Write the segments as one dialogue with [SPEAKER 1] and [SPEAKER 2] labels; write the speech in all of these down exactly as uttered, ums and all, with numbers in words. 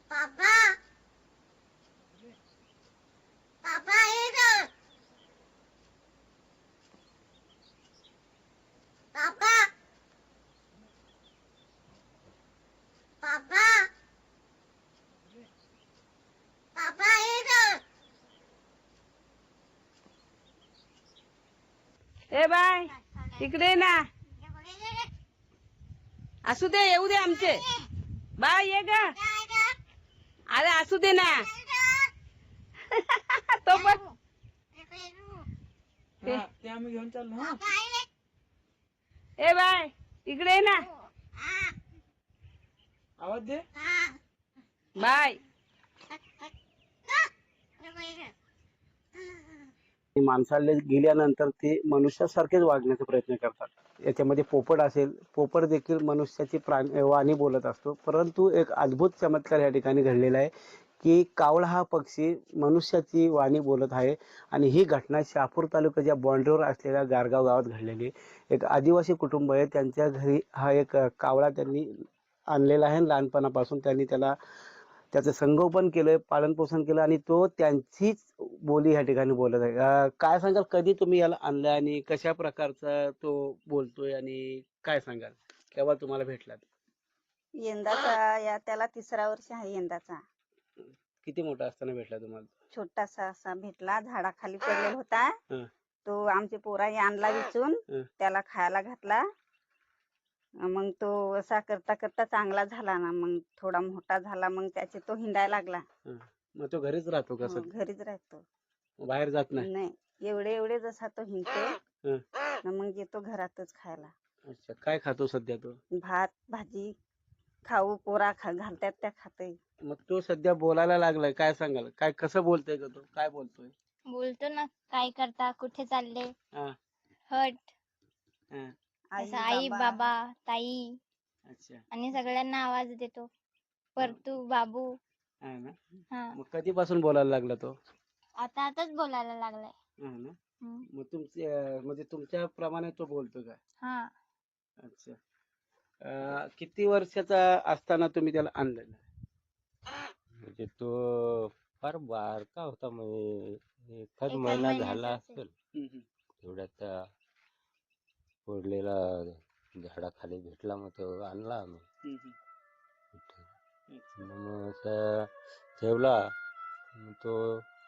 [SPEAKER 1] पापा पापा इधर पापा पापा पापा इधर
[SPEAKER 2] ए बाय इकडे ये ना. असू दे येऊ दे आमचे. बाय ये ग. अरे असू दे ना. तो पण
[SPEAKER 3] हा, ते आम्ही घेऊन चाललो. हा
[SPEAKER 2] ए बाय इकडे ये ना.
[SPEAKER 3] आवाज दे.
[SPEAKER 2] बाय.
[SPEAKER 4] माणसाला गेल्यानंतर ते मनुष्यासारखेच वागण्याचा प्रयत्न करतात. याच्यामध्ये पोपट असेल, पोपट देखील मनुष्याची प्राणी वाणी बोलत असतो. परंतु एक अद्भुत चमत्कार या ठिकाणी घडलेला आहे की कावळा हा पक्षी मनुष्याची वाणी बोलत आहे. आणि ही घटना शहापूर तालुक्याच्या बॉन्ड्रीवर असलेल्या गारगाव गावात घडलेली. एक आदिवासी कुटुंब आहे, त्यांच्या घरी हा एक कावळा त्यांनी आणलेला आहे. लहानपणापासून त्यांनी त्याला त्याचं संगोपन केलं, पालन पोषण केलं आणि तो त्यांचीच बोली या ठिकाणी बोलत आहे. अं, काय सांगाल, कधी तुम्ही याला आणलं आणि कशा प्रकारचा तो बोलतोय आणि काय सांगाल, केव्हा तुम्हाला भेटला?
[SPEAKER 5] यंदाचा या त्याला तिसरा वर्ष आहे यंदाचा.
[SPEAKER 4] किती मोठा असताना भेटला तुम्हाला?
[SPEAKER 5] छोटासा असा भेटला, झाडाखाली पडलेला होता.
[SPEAKER 4] हं.
[SPEAKER 5] तो आमच्या पोराने आणला विचून,
[SPEAKER 4] हं.
[SPEAKER 5] त्याला खायला घातला. मग तो असा करता करता चांगला झाला ना, मग थोडा मोठा झाला, मग त्याचे तो हिंडायला लागला.
[SPEAKER 4] हं. मग तो घरीच राहतो का?
[SPEAKER 5] हो,
[SPEAKER 4] सध्या
[SPEAKER 5] घरीच राहतो.
[SPEAKER 4] बाहेर जात नाही?
[SPEAKER 5] नाही, एवढे एवढे जसा तो हिंडतो
[SPEAKER 4] हं.
[SPEAKER 5] ना, मग येतो घरातच खायला.
[SPEAKER 4] अच्छा, काय खातो सध्या तो?
[SPEAKER 5] भात भाजी खाऊ पोरा खा घालतात त्या खाते.
[SPEAKER 4] मग तो सध्या बोलायला लागलाय, काय सांगाल, काय कसं बोलतोय का तो, काय बोलतोय?
[SPEAKER 1] बोलतो ना, काय करता, कुठे चालले,
[SPEAKER 4] हा.
[SPEAKER 1] हट,
[SPEAKER 4] हा.
[SPEAKER 1] असं आई बाबा ताई,
[SPEAKER 4] अच्छा.
[SPEAKER 1] आणि सगळ्यांना आवाज देतो. परतू बाबू.
[SPEAKER 4] हा ना.
[SPEAKER 1] हा,
[SPEAKER 4] मग कधीपासून बोलायला लागला तो?
[SPEAKER 1] आता आताच बोलायला लागलाय.
[SPEAKER 4] हा ना.
[SPEAKER 1] हम्म.
[SPEAKER 4] मग तुमचे म्हणजे तुमच्या प्रमाणे तो बोलतो का?
[SPEAKER 1] हा,
[SPEAKER 4] अच्छा. अं, किती वर्षाचा असताना तुम्ही त्याला आणलेलं?
[SPEAKER 6] म्हणजे तो फार बारका होता, म्हणजे एखाद
[SPEAKER 1] एखाद
[SPEAKER 6] महिना
[SPEAKER 1] महिन्याचा
[SPEAKER 6] झाला
[SPEAKER 1] असेल.
[SPEAKER 6] असेल.
[SPEAKER 4] हम्म, हम्म.
[SPEAKER 6] तेवढ्यात पडलेला झाडाखाली भेटला, मग तो आणला आम्ही
[SPEAKER 4] हम्म, हम्म.
[SPEAKER 6] इथे.
[SPEAKER 4] अच्छा.
[SPEAKER 6] मग असा ठेवला, मग तो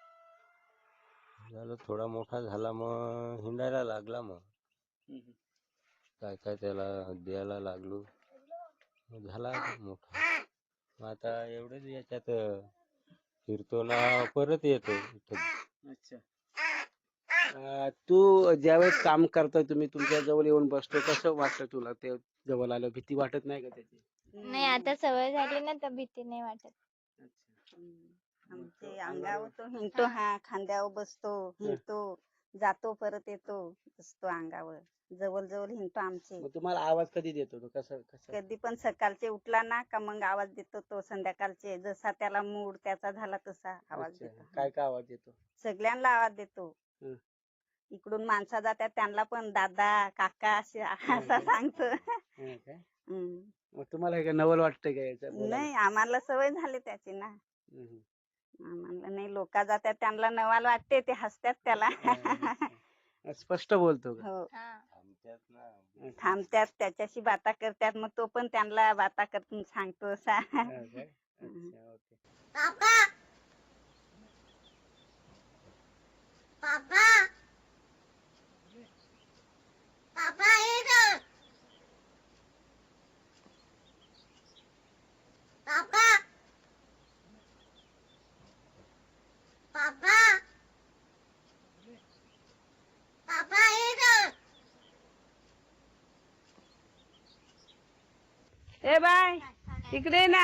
[SPEAKER 6] झाला थोडा मोठा झाला, मग हिंडायला लागला. मग
[SPEAKER 4] हम्म, हम्म.
[SPEAKER 6] काय काय त्याला द्यायला लागलो, मग झाला मोठा. मग आता एवढंच याच्यात फिरतो ना, परत येतो इथं.
[SPEAKER 4] अच्छा. अं, तू ज्यावेळेस काम करतोय, तुम्ही तुमच्या जवळ येऊन बसतो, कसं वाटतं तुला? ते जवळ आलं भीती वाटत नाही का त्याची?
[SPEAKER 1] नाही, आता सवय झाली ना, तर भीती नाही वाटत.
[SPEAKER 4] अच्छा.
[SPEAKER 5] आमचे अंगावर तो हिंडतो. हा, खांद्यावर बसतो, हिंडतो, जातो, परत येतो, बसतो अंगावर, जवळ जवळ हिंडतो आमचे.
[SPEAKER 4] मग तुम्हाला आवाज कधी देतो तो? कसं कसं?
[SPEAKER 5] कधी पण सकाळचे उठला ना का मग आवाज देतो तो. संध्याकाळचे जसा त्याला मूड त्याचा झाला तसा आवाज
[SPEAKER 4] अच्छा.
[SPEAKER 5] देतो.
[SPEAKER 4] काय काय आवाज देतो?
[SPEAKER 5] सगळ्यांना आवाज देतो.
[SPEAKER 4] हं.
[SPEAKER 5] इकडून माणसं जातात त्यांना पण दादा काका असे असा सांगतो.
[SPEAKER 4] हं काय?
[SPEAKER 5] हम्म.
[SPEAKER 4] मग तुम्हाला हे काय नवल वाटतंय का याचं बोलायला?
[SPEAKER 5] नाही, आम्हाला सवय झाली त्याची ना.
[SPEAKER 4] हम्म, हम्म.
[SPEAKER 5] आम्हाला नाही, लोक जातात त्यांना नवाल वाटते, ते हसतात त्याला.
[SPEAKER 4] हा, स्पष्ट बोलतो का?
[SPEAKER 5] हो,
[SPEAKER 1] हा,
[SPEAKER 6] आमच्यात ना
[SPEAKER 5] थांबतात, त्याच्याशी बाता करतात, मग तो पण त्यांना बाता करतून सांगतो असा.
[SPEAKER 4] हा काय? अच्छा, ओके.
[SPEAKER 1] पापा पापा पापा इधर पापा पापा पापा इधर
[SPEAKER 2] ए बाय इकडे ये ना.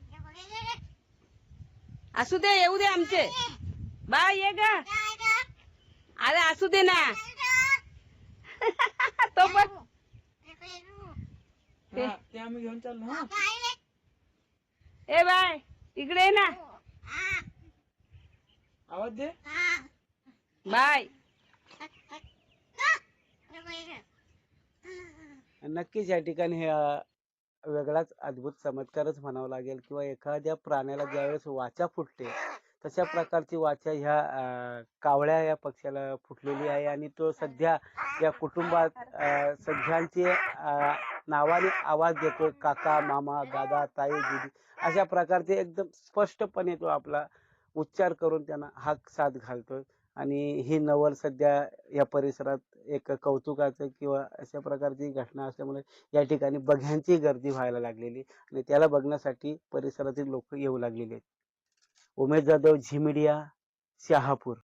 [SPEAKER 2] असू दे येऊ दे आमचे. बाय ये ग. अरे असू दे ना. तो पण
[SPEAKER 3] हा, ते आम्ही घेऊन चाललो. हा
[SPEAKER 2] ए बाय इकडे ये ना.
[SPEAKER 3] आवाज दे.
[SPEAKER 2] बाय.
[SPEAKER 4] नक्कीच या ठिकाणी हे वेगळाच अद्भुत चमत्कारच म्हणावा लागेल किंवा एखाद्या प्राण्याला ज्यावेळेस वाचा फुटते तशा प्रकारची वाचा ह्या अं, कावळ्या या पक्ष्याला फुटलेली आहे आणि तो सध्या या कुटुंबात अं, सगळ्यांचे अं, नावाने आवाज देतोय. काका, मामा, दादा, ताई, दीदी अशा प्रकारचे एकदम स्पष्टपणे तो आपला उच्चार करून त्यांना हाक साथ घालतोय. आणि ही नवल सध्या या परिसरात एक कौतुकाचं किंवा अशा प्रकारची घटना असल्यामुळे या ठिकाणी बघ्यांची गर्दी व्हायला लागलेली आणि त्याला बघण्यासाठी परिसरातील लोक येऊ लागलेली आहेत. उमेश जाधव, झी मीडिया, शहापूर.